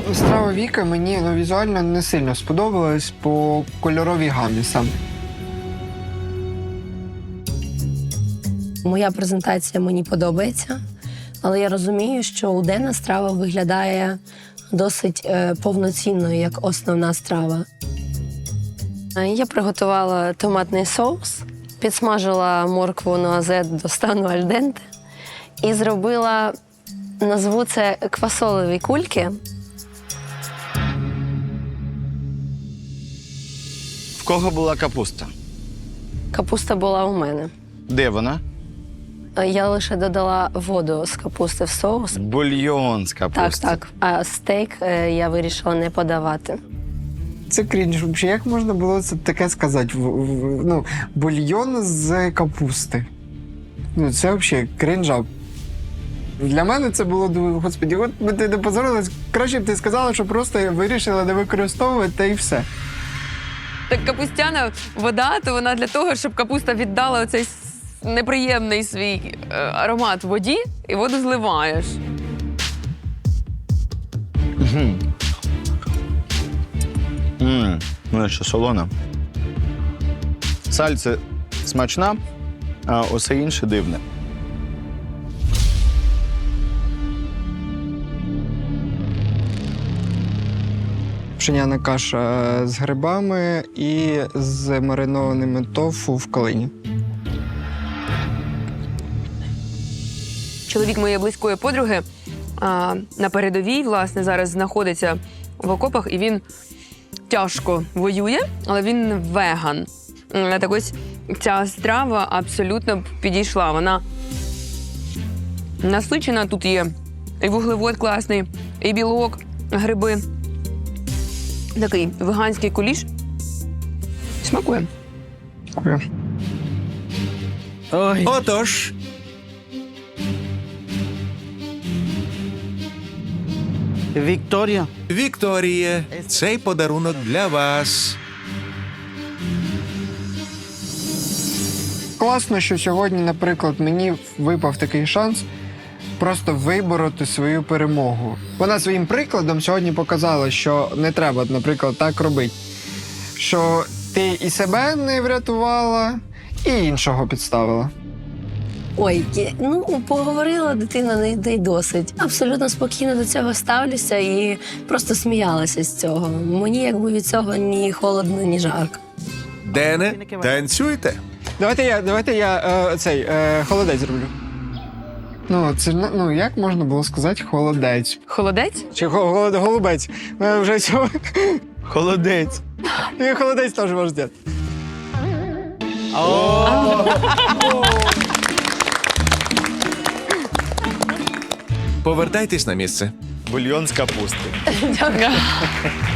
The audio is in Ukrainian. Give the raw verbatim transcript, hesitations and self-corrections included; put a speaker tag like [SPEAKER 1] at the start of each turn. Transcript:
[SPEAKER 1] страва Віки мені ну, візуально не сильно сподобалась по кольоровій гамі саме.
[SPEAKER 2] Моя презентація мені подобається, але я розумію, що уденна страва виглядає досить е, повноцінною, як основна страва. Е, Я приготувала томатний соус, підсмажила моркву нуазет до стану альденте і зробила, назву це квасолеві кульки.
[SPEAKER 3] В кого була капуста?
[SPEAKER 2] Капуста була у мене.
[SPEAKER 3] Де вона?
[SPEAKER 2] Е, Я лише додала воду з капусти в соус.
[SPEAKER 3] Бульйон з
[SPEAKER 2] Так,
[SPEAKER 3] капусти.
[SPEAKER 2] так. А стейк е, я вирішила не подавати.
[SPEAKER 1] Це крінж. Взагалі, як можна було це таке сказати? В- в- Ну, бульйон з капусти. Ну, це взагалі крінжа. Для мене це було, думаю, господі, от би ти не позорилась, краще б ти сказала, що просто вирішила не використовувати, та і все.
[SPEAKER 4] Так капустяна вода, то вона для того, щоб капуста віддала оцей с- неприємний свій е, аромат в воді, і воду зливаєш.
[SPEAKER 3] Ммм, ну і що солона. Сальце смачна, а усе інше дивне.
[SPEAKER 1] Пшеняна каша з грибами і з маринованими тофу в калині.
[SPEAKER 4] Чоловік моєї близької подруги а, на передовій, власне, зараз знаходиться в окопах, і він тяжко воює, але він веган. М, Так ось ця страва абсолютно підійшла. Вона насичена, тут є і вуглевод класний, і білок, гриби. Такий веганський куліш. Смакує.
[SPEAKER 1] Дякую.
[SPEAKER 5] Отож,
[SPEAKER 6] Вікторія.
[SPEAKER 5] Вікторіє, цей подарунок для вас.
[SPEAKER 1] Класно, що сьогодні, наприклад, мені випав такий шанс просто вибороти свою перемогу. Вона своїм прикладом сьогодні показала, що не треба, наприклад, так робити. Що ти і себе не врятувала, і іншого підставила.
[SPEAKER 2] Ой, я- ну поговорила дитина, не, не й досить. Абсолютно спокійно до цього ставлюся і просто сміялася з цього. Мені якби від цього ні холодно, ні жарко.
[SPEAKER 5] Дене, танцюйте.
[SPEAKER 1] Давайте я, давайте я е, цей е, холодець зроблю. Ну, це ж, ну, як можна було сказати холодець?
[SPEAKER 4] Холодець?
[SPEAKER 1] Чи хо- голод- голубець? Е, Вже цього.
[SPEAKER 3] Холодець.
[SPEAKER 1] І холодець теж можна зробити.
[SPEAKER 5] Повертайтесь на місце.
[SPEAKER 3] Бульйон з капусти.
[SPEAKER 4] Дякую.